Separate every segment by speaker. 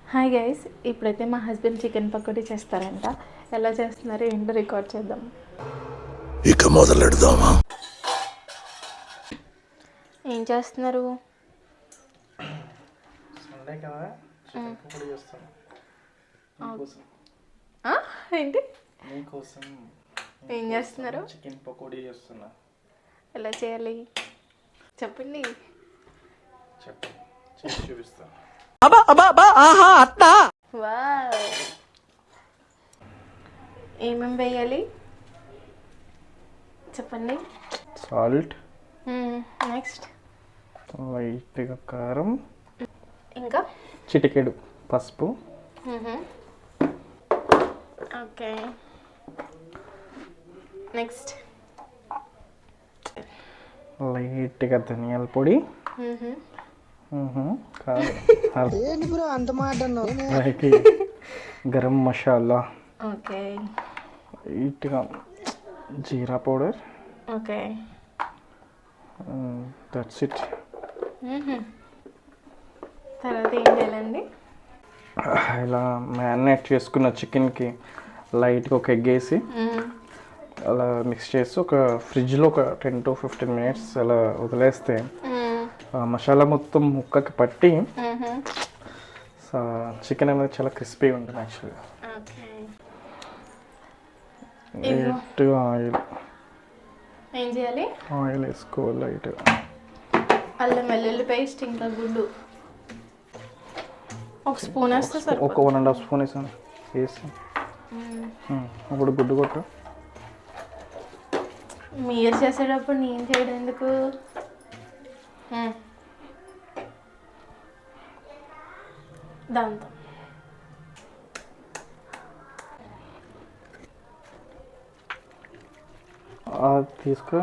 Speaker 1: Hi guys, ఇప్పుడైతే మా husband chicken pakodi చేస్తారంట. ఎలా చేస్తున్నారో ఏంటో రికార్డ్ చేద్దాం.
Speaker 2: ఇక మొదలెడదామా?
Speaker 1: ఏం చేస్తున్నారు?
Speaker 3: సండే కదా, చికెన్ పకోడీ చేస్తాను.
Speaker 1: ఏంటి
Speaker 3: మీకోసం
Speaker 1: ఏం చేస్తున్నారు?
Speaker 3: చికెన్ పకోడీ చేస్తున్నా.
Speaker 1: ఎలా చేయాలి చెప్పండి.
Speaker 3: చెప్పు, చేసి చూపిస్తాను.
Speaker 1: వావ్, ఏమేమి వేయాలి చెప్పండి.
Speaker 3: సాల్ట్,
Speaker 1: నెక్స్ట్
Speaker 3: లైట్గా కారం,
Speaker 1: ఇంకా
Speaker 3: చిటికెడు పసుపు,
Speaker 1: ఓకే. నెక్స్ట్
Speaker 3: లైట్గా ధనియాల పొడి, లైట్ గరం మసాలా,
Speaker 1: ఓకే
Speaker 3: లైట్గా jeera powder,
Speaker 1: okay.
Speaker 3: That's it.
Speaker 1: తర్వాత ఏం చేయాలండి?
Speaker 3: ఇలా మ్యారినేట్ చేసుకున్న చికెన్కి లైట్గా ఒక ఎగ్ వేసి అలా మిక్స్ చేసి ఒక ఫ్రిడ్జ్లో ఒక 10 to 15 minutes అలా వదిలేస్తే మసాలా మొత్తం ముక్కకి పట్టి చికెన్ అనేది చాలా క్రిస్పీగా ఉంటుంది. యాక్చువల్గా లైట్గా
Speaker 1: ఏం చేయాలి?
Speaker 3: ఆయిల్ వేసుకోవాలి లైట్గా.
Speaker 1: అల్లం వెల్లుల్లి పేస్ట్, ఇంకా గుడ్డు ఒక స్పూన్ వేస్తే సరే.
Speaker 3: ఒక 1.5 స్పూన్ వేసాను వేసి అప్పుడు గుడ్డు కొట్టు.
Speaker 1: మీరు చేసేటప్పుడు నేను చేయడం ఎందుకు? దాంతో
Speaker 3: తీసుకో.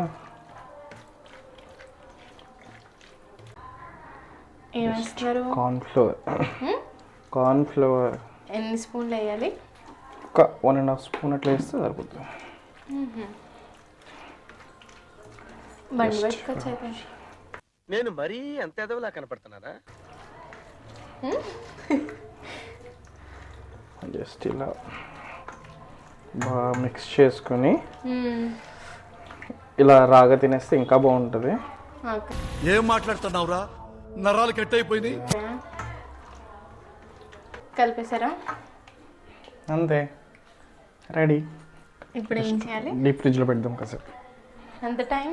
Speaker 1: ఏం వేస్తున్నారు?
Speaker 3: కార్న్ఫ్లవర్
Speaker 1: ఎన్ని స్పూన్లు వేయాలి?
Speaker 3: ఒక 1.5 స్పూన్ అట్లా వేస్తే సరిపోతుంది.
Speaker 1: బండి పెట్టుకోవచ్చు అయితే.
Speaker 2: నేను మరీ అంత ఎదవలా కనపడుతున్నారా?
Speaker 3: జస్ట్ ఇలా బాగా మిక్స్ చేసుకొని ఇలా రాగా తినేస్తే ఇంకా బాగుంటుంది.
Speaker 2: ఏం మాట్లాడుతున్నావురా? నరాలు కట్ అయిపోయింది.
Speaker 1: కలిపేశారా?
Speaker 3: అంతే, రెడీ.
Speaker 1: ఇప్పుడు ఏం చేయాలి?
Speaker 3: డీప్ ఫ్రిడ్జ్లో పెడదాం కాసేపు.
Speaker 1: ఎంత టైం?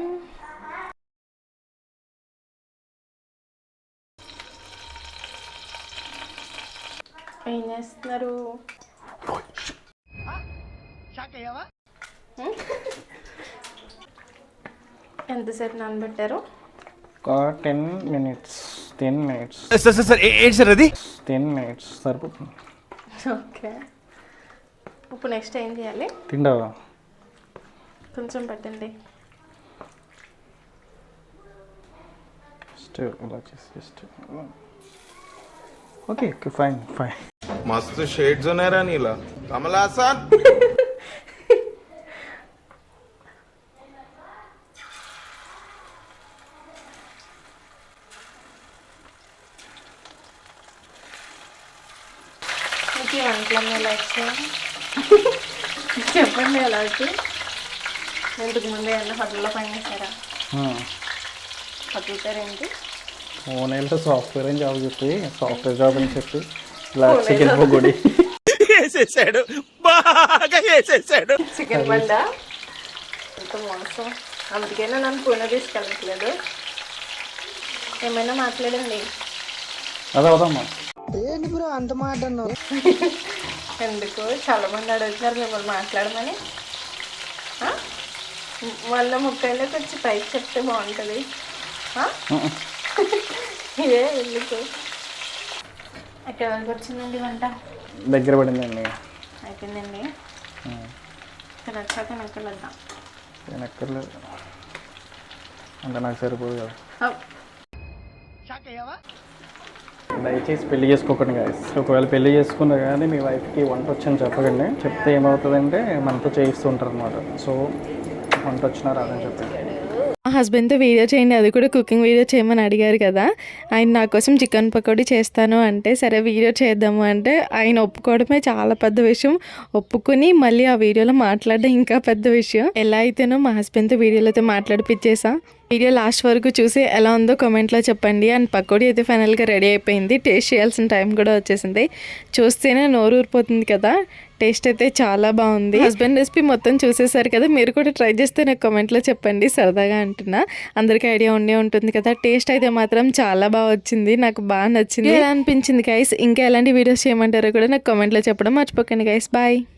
Speaker 1: ఏం చేస్తున్నారు? ఎంతసేపు నానబెట్టారు?
Speaker 3: ఒక 10 minutes.
Speaker 2: ఏంటి సార్ అది?
Speaker 3: 10 minutes సరిపోతుంది.
Speaker 1: ఓకే. ఇప్పుడు నెక్స్ట్ ఏం చేయాలి?
Speaker 3: తింటావా?
Speaker 1: కొంచెం పెట్టండి.
Speaker 3: జస్ట్ ఇలా చేసి జస్ట్ ఓకే ఫైన్.
Speaker 4: मस्त शेड्स होणार नीला कमला हसन.
Speaker 1: మీకు ఈ వంటలన్నీ ఎలా వచ్చాయి చెప్పండి. ఎలా వచ్చి ఇంతకు ముందే ఏమన్నా హోటల్లో పనిచేస్తారా? హోటల్ పేరు ఏంటి?
Speaker 3: పూణేలో సాఫ్ట్వేర్ అని జాబ్ చెప్పి సాఫ్ట్వేర్ జాబ్ అని చెప్పి ఇలా చికెన్ పకోడీ
Speaker 2: వేసేసాడు, బాగా వేసేసాడు.
Speaker 1: చికెన్ బండా ఎంత మోసం. అందుకైనా నన్ను పూణే తీసుకెళ్ళట్లేదు. ఏమైనా మాట్లాడండి.
Speaker 3: అదే అవుదమ్మా.
Speaker 1: ఎందుకు చాలా మంది అడుగుతున్నారు మిమ్మల్ని మాట్లాడమని. వాళ్ళ ముక్కైలోకి వచ్చి పైకి చెప్తే బాగుంటుంది. ఇదే ఎందుకు? ఎక్కడి వరకు వచ్చిందండి వంట?
Speaker 3: దగ్గర పడిందండి.
Speaker 1: అయిపోయిందండి. ఇక్కడ వచ్చాక నెక్కలేద్దాం.
Speaker 3: నేను ఎక్కర్లేదు అంటే నాకు సరిపోదు కదా. దయచేసి పెళ్లి చేసుకోకండి గాయస్. ఒకవేళ పెళ్లి చేసుకున్నా కానీ మీ వైఫ్కి వంట వచ్చని చెప్పకండి. చెప్తే ఏమవుతుందంటే మనతో చేయిస్తూ ఉంటారు అనమాట. సో వంట వచ్చినా రాదని చెప్పండి.
Speaker 1: హస్బెండ్తో వీడియో చేయండి, అది కూడా కుకింగ్ వీడియో చేయమని అడిగారు కదా. ఆయన నా కోసం చికెన్ పకోడీ చేస్తాను అంటే సరే వీడియో చేద్దాము అంటే ఆయన ఒప్పుకోవడమే చాలా పెద్ద విషయం. ఒప్పుకుని మళ్ళీ ఆ వీడియోలో మాట్లాడడం ఇంకా పెద్ద విషయం. ఎలా అయితేనో మా హస్బెండ్తో వీడియోలో అయితే మాట్లాడిపించేసా. వీడియో లాస్ట్ వరకు చూసి ఎలా ఉందో కామెంట్లో చెప్పండి. అండ్ పకోడీ అయితే ఫైనల్గా రెడీ అయిపోయింది. టేస్ట్ చేయాల్సిన టైం కూడా వచ్చేసింది. చూస్తేనే నోరు ఊరిపోతుంది కదా. టేస్ట్ అయితే చాలా బాగుంది. హస్బెండ్ రెసిపీ మొత్తం చూసేసారు కదా, మీరు కూడా ట్రై చేస్తే నాకు కామెంట్లో చెప్పండి. సరదాగా అంటున్నా, అందరికీ ఐడియా ఉండే ఉంటుంది కదా. టేస్ట్ అయితే మాత్రం చాలా బాగా వచ్చింది, నాకు బాగా నచ్చింది. ఎలా అనిపించింది గైస్? ఇంకా ఎలాంటి వీడియోస్ చేయమంటారో కూడా నాకు కామెంట్లో చెప్పడం మర్చిపోకండి గైస్. బాయ్.